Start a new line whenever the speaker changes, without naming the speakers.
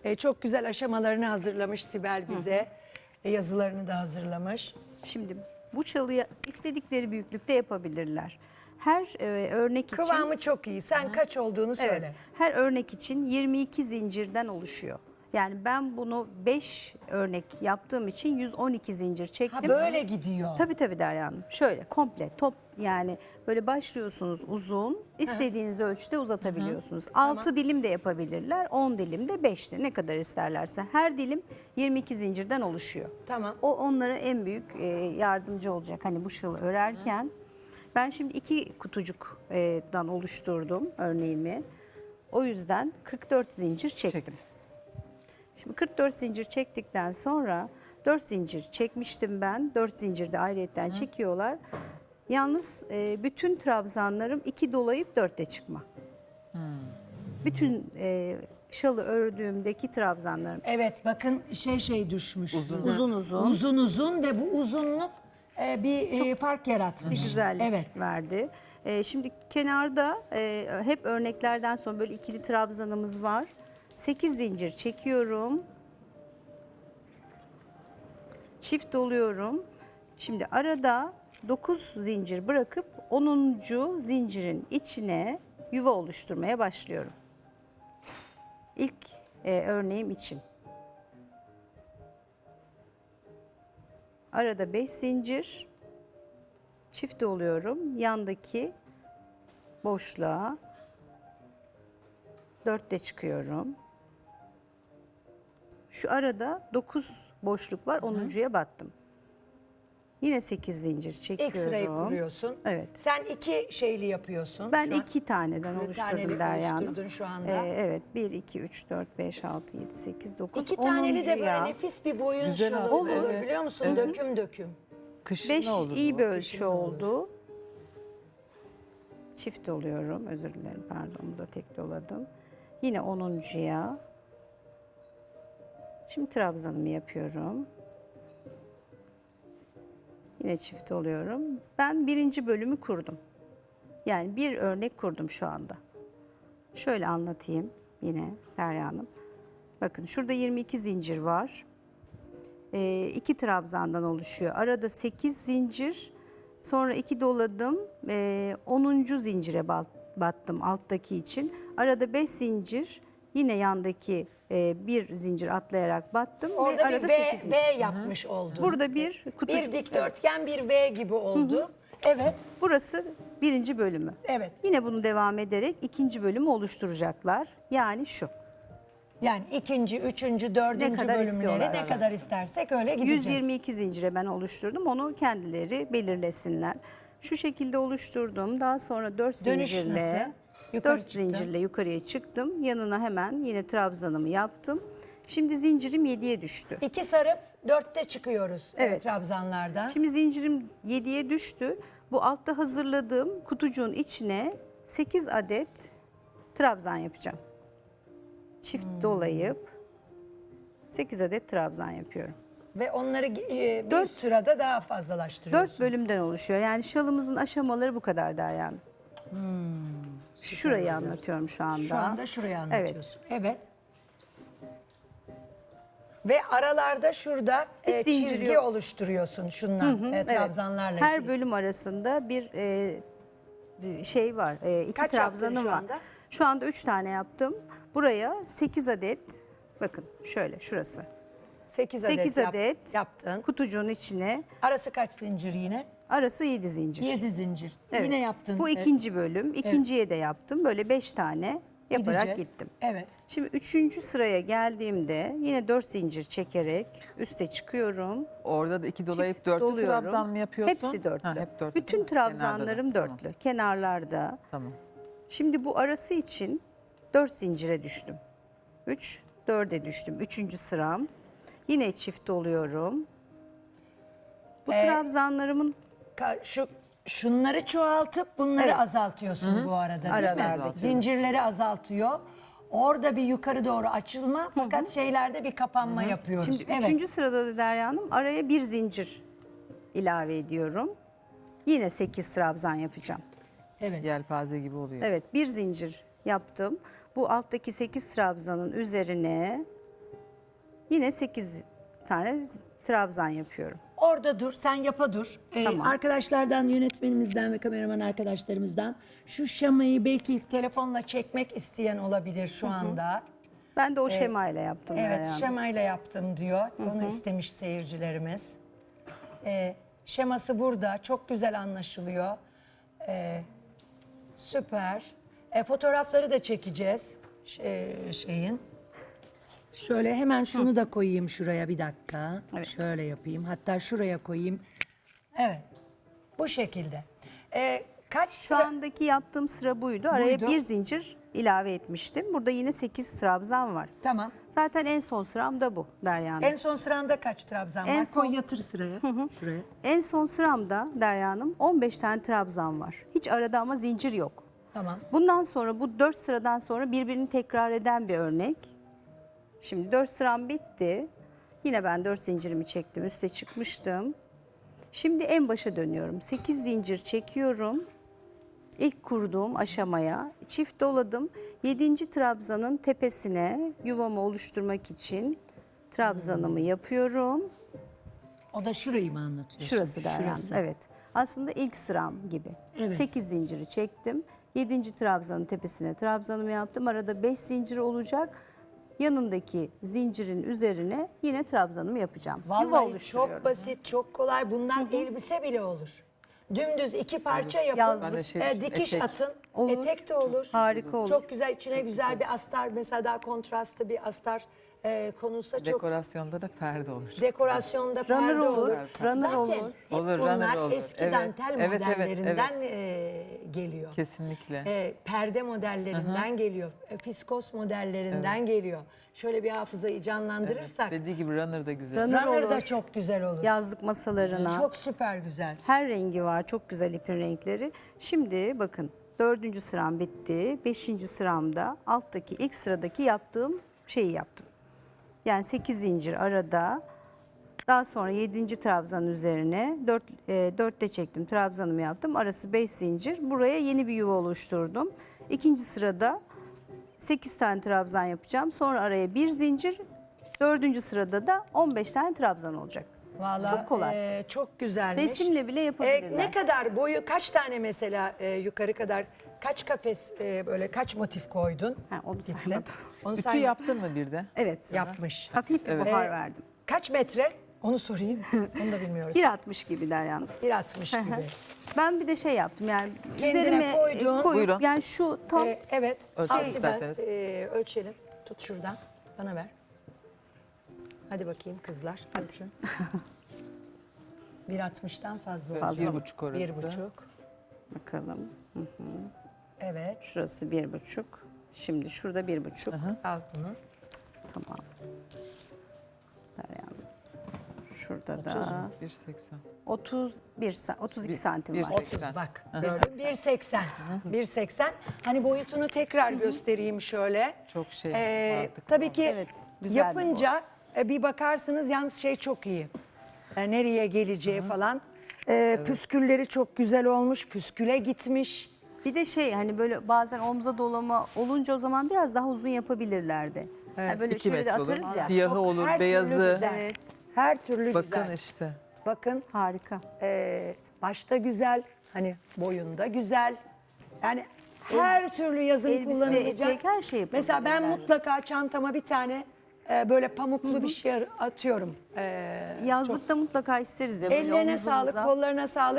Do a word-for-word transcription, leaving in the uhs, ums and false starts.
E, çok güzel aşamalarını hazırlamış Sibel bize. E, yazılarını da hazırlamış.
Şimdi bu çalıyı istedikleri büyüklükte yapabilirler. Her e, örnek için
Kıvamı çok iyi. Sen kaç olduğunu söyle.
evet, her örnek için yirmi iki zincirden oluşuyor. Yani ben bunu beş örnek yaptığım için yüz on iki zincir çektim.
Ha böyle gidiyor.
Tabii tabii Derya Hanım. Şöyle komple top, yani böyle başlıyorsunuz uzun, istediğiniz ölçüde uzatabiliyorsunuz. altı dilim de yapabilirler, on dilim de, beş de, ne kadar isterlerse. Her dilim yirmi iki zincirden oluşuyor.
Tamam.
O onlara en büyük e, yardımcı olacak hani bu şalı örerken. Ben şimdi iki kutucuktan oluşturdum örneğimi. O yüzden kırk dört zincir çektim.
Çektim.
Şimdi kırk dört zincir çektikten sonra dört zincir çekmiştim ben. dört zincir de ayrıyetten çekiyorlar. Yalnız e, bütün trabzanlarım iki dolayıp dörtte çıkma. Bütün e, şalı ördüğümdeki trabzanlarım.
Evet bakın şey şey düşmüş.
Uzun uzun.
Uzun uzun ve bu uzunluk e, bir e, fark yaratmış.
Bir güzellik
Evet.
verdi. E, şimdi kenarda e, hep örneklerden sonra böyle ikili trabzanımız var. sekiz zincir çekiyorum. Çift doluyorum. Şimdi arada dokuz zincir bırakıp onuncu zincirin içine yuva oluşturmaya başlıyorum. İlk e, örneğim için. Arada beş zincir çift doluyorum. Yandaki boşluğa dörtte çıkıyorum. Şu arada dokuz boşluk var. onuncuya battım. Yine sekiz zincir çekiyorum.
İlk sırayı kuruyorsun.
Evet.
Sen iki şeyli yapıyorsun.
Ben
şu an.
iki taneden
Bir
oluşturdum
tanelik
Derya Hanım.
oluşturdun şu anda.
Ee, evet. bir, iki, üç, dört, beş, altı, yedi, sekiz, dokuz,
İki taneli de böyle
onuncuya
nefis bir boyun
Güzel
şalı
aslında,
olur
evet.
biliyor musun?
Evet.
Döküm döküm.
Kışın
beş
ne olur
iyi
bu?
bir ölçü
Kışın ne olur?
oldu. Çift oluyorum. Özür dilerim. Pardon. Bu da tek doladım. Yine onuncuya. Şimdi trabzanımı yapıyorum. Yine çift oluyorum. Ben birinci bölümü kurdum. Yani bir örnek kurdum şu anda. Şöyle anlatayım yine Derya Hanım. Bakın şurada yirmi iki zincir var. Ee, iki trabzandan oluşuyor. Arada sekiz zincir. Sonra iki doladım. Ee, onuncu zincire battım alttaki için. Arada beş zincir. Yine yandaki e, bir zincir atlayarak battım.
Orada
ve arada
bir V,
sekiz zincir.
V yapmış oldun.
Burada bir kutucuk.
bir dikdörtgen bir V gibi oldu. Evet.
Burası birinci bölümü.
Evet.
Yine bunu devam ederek ikinci bölümü oluşturacaklar. Yani şu.
Yani ikinci, üçüncü, dördüncü
kadar
bölümleri
istiyorlar,
ne
evet.
kadar istersek öyle gideceğiz.
yüz yirmi iki zincire ben oluşturdum. Onu kendileri belirlesinler. Şu şekilde oluşturdum. Daha sonra dört
Dönüş
zincirle
nasıl? Yukarı
dört
çıktın.
zincirle yukarıya çıktım. Yanına hemen yine trabzanımı yaptım. Şimdi zincirim yediye düştü.
İki sarıp dörtte çıkıyoruz evet.
Evet.
trabzanlardan.
Şimdi zincirim yediye düştü. Bu altta hazırladığım kutucuğun içine sekiz adet trabzan yapacağım. Çift
Hmm.
dolayıp sekiz adet trabzan yapıyorum.
Ve onları e, bir
Dört-
sırada daha fazlalaştırıyorsun.
Dört bölümden oluşuyor. Yani şalımızın aşamaları bu kadar Derya Hanım. Şurayı anlatıyorum şu anda.
Şu anda şurayı
Evet.
anlatıyorsun. Evet. Ve aralarda şurada
Hiç
e,
zincir
çizgi
yok.
oluşturuyorsun şundan e,
Evet.
trabzanlarla.
Her
ilgili.
bölüm arasında bir e, bir şey var. E, iki
Kaç yaptın
trabzanım
şu
var.
anda?
Şu anda üç tane yaptım. Buraya sekiz adet, bakın şöyle şurası.
sekiz adet,
sekiz
yap-
adet
yaptın.
kutucuğun içine,
Arası kaç zincir yine?
arası yedi zincir.
yedi zincir.
Evet.
Yine yaptın.
Bu
e,
ikinci bölüm. İkinciye de yaptım. Böyle beş tane yaparak
gidecek.
gittim.
Evet.
Şimdi üçüncü sıraya geldiğimde yine dört zincir çekerek üste çıkıyorum.
Orada da iki dolayıp
Çift
dörtlü
doluyorum.
trabzan mı yapıyorsun?
Hepsi dörtlü.
Ha, hep dörtlü.
Bütün
değil mi? Kenarda da.
trabzanlarım dörtlü.
Tamam.
Kenarlarda.
Tamam.
Şimdi bu arası için dört zincire düştüm. üç, dörde düştüm. Üçüncü sıram. Yine çift doluyorum. Bu
Ee,
trabzanlarımın
Ka- Şu şunları çoğaltıp bunları
Evet.
azaltıyorsun bu arada değil mi?
Aralardaki.
Zincirleri azaltıyor. Orada bir yukarı doğru açılma fakat şeylerde bir kapanma yapıyoruz.
Şimdi
evet.
üçüncü sırada da Derya Hanım araya bir zincir ilave ediyorum. Yine sekiz trabzan yapacağım.
Evet.
Yelpaze gibi oluyor.
Evet, bir zincir yaptım. Bu alttaki sekiz trabzanın üzerine Yine sekiz tane trabzan yapıyorum.
Orada dur, sen yapa dur. Ee,
Tamam.
Arkadaşlardan, yönetmenimizden ve kameraman arkadaşlarımızdan şu şamayı belki telefonla çekmek isteyen olabilir şu anda.
Ben de o şemayla yaptım.
Evet,
Derya Hanım.
şemayla yaptım diyor. Onu istemiş seyircilerimiz. Ee, şeması burada. Çok güzel anlaşılıyor. Ee, süper. Ee, fotoğrafları da çekeceğiz şey- şeyin. Şöyle hemen şunu da koyayım şuraya bir dakika.
Evet.
Şöyle yapayım. Hatta şuraya koyayım. Evet. Bu şekilde. Ee, kaç
Şu
sıra...
andaki yaptığım sıra buydu. Araya
Buydu.
bir zincir ilave etmiştim. Burada yine sekiz trabzan var.
Tamam.
Zaten en son sıram da bu Derya Hanım.
En son sıranda kaç trabzan
En
var?
son-
Koy yatır sıraya. Şuraya.
En son sıramda Derya Hanım on beş tane trabzan var. Hiç arada ama zincir yok.
Tamam.
Bundan sonra bu dört sıradan sonra birbirini tekrar eden bir örnek. Şimdi dört sıram bitti. Yine ben dört zincirimi çektim. Üste çıkmıştım. Şimdi en başa dönüyorum. sekiz zincir çekiyorum. İlk kurduğum aşamaya çift doladım. yedinci trabzanın tepesine yuvamı oluşturmak için trabzanımı yapıyorum.
O da şurayı mı anlatıyorsun?
Şurası Derya Hanım,
Şurası.
evet. Aslında ilk sıram gibi.
Evet.
sekiz zinciri çektim. yedinci trabzanın tepesine trabzanımı yaptım. Arada beş zincir olacak. Yanındaki zincirin üzerine yine trabzanımı yapacağım. Yuva
Vallahi
oluşturuyorum.
çok basit, çok kolay. Bundan elbise bile olur. Dümdüz iki parça yapın.
Yazlık.
Ben de şey-
e, dikiş
etek.
atın.
Olur.
Etek de olur.
Harika olur.
Çok güzel. içine güzel bir astar, mesela daha kontrastlı bir astar e, konulsa çok
Dekorasyonda da perde olur.
dekorasyonda perde
Runner
olur.
olur, runner
Zaten
olur.
hep
Olur,
bunlar
runner olur.
eski
Evet,
dantel
evet, evet,
modellerinden e, geliyor.
Kesinlikle.
E, perde modellerinden geliyor. E, fiskos modellerinden geliyor. Şöyle bir hafızayı canlandırırsak
Dediği gibi runner da güzel.
Runner
runner da
olur.
çok güzel olur.
Yazlık masalarına.
Çok süper güzel.
Her rengi var. Çok güzel ipin renkleri. Şimdi bakın dördüncü sıram bitti. Beşinci sıramda alttaki ilk sıradaki yaptığım şeyi yaptım. Yani sekiz zincir arada. Daha sonra yedinci trabzanın üzerine dört, e, dörtte çektim. Trabzanımı yaptım. Arası beş zincir. Buraya yeni bir yuva oluşturdum. İkinci sırada sekiz tane trabzan yapacağım. Sonra araya bir zincir. Dördüncü sırada da on beş tane trabzan olacak.
Vallahi
Çok kolay.
e, çok güzelmiş.
Resimle bile
E,
yapabilirler.
ne kadar boyu, kaç tane mesela e, yukarı kadar, kaç kafes e, böyle kaç motif koydun?
Ha, onu
Gitsin.
saymadım.
Onu
Ütü
say-
yaptın mı bir de?
Evet.
yapmış.
Hafif bir
Evet.
buhar
E,
verdim.
Kaç metre? Onu sorayım. Onu da bilmiyoruz.
bir altmış gibi Derya Hanım.
bir altmış gibi.
Ben bir de şey yaptım yani
Kendine
üzerime e,
koydun.
koyup
Buyurun.
yani şu tam
E, evet.
Ölçmek
Al Sibel,
isterseniz.
e, ölçelim. Tut şuradan. Bana ver. Hadi bakayım kızlar. Ölçün. bir altmıştan fazla oldu.
Fazla
Bir
mı?
buçuk orası.
Bir buçuk.
bakalım.
Evet.
Şurası bir buçuk. Şimdi şurada bir buçuk.
Al bunu.
Tamam. Derya Hanım. Şurada
otuz
da
mu? bir seksen.
otuz bir sa- otuz iki
Bir-
santim
bir
var.
seksen.
otuz bak.
Aha.
Gördün? bir seksen. bir seksen. Hani boyutunu tekrar göstereyim şöyle.
Çok şey.
Ee,
mantıklı.
tabii ki
Evet, güzel bir
yapınca e, bir bakarsınız yalnız şey çok iyi. E, nereye geleceği falan. E, Püskülleri çok güzel olmuş. Püsküle gitmiş.
Bir de şey hani böyle bazen omza dolama olunca o zaman biraz daha uzun yapabilirlerdi. Yani böyle
İki
şöyle de
metre olur.
atarız ya.
Siyahı
Çok-
olur,
her türlü
beyazı.
güzel.
Evet.
Her türlü
Bakın
güzel.
işte.
Bakın
Harika.
e, başta güzel. Hani boyunda güzel. Yani her türlü yazın
elbise,
kullanılacak.
etek, her şey
Mesela ben
yapabilirler.
mutlaka çantama bir tane e, böyle pamuklu bir şey atıyorum. E,
Yazlıkta mutlaka isteriz ya. böyle
ellerine
omuzumuza.
sağlık, kollarına sağlık.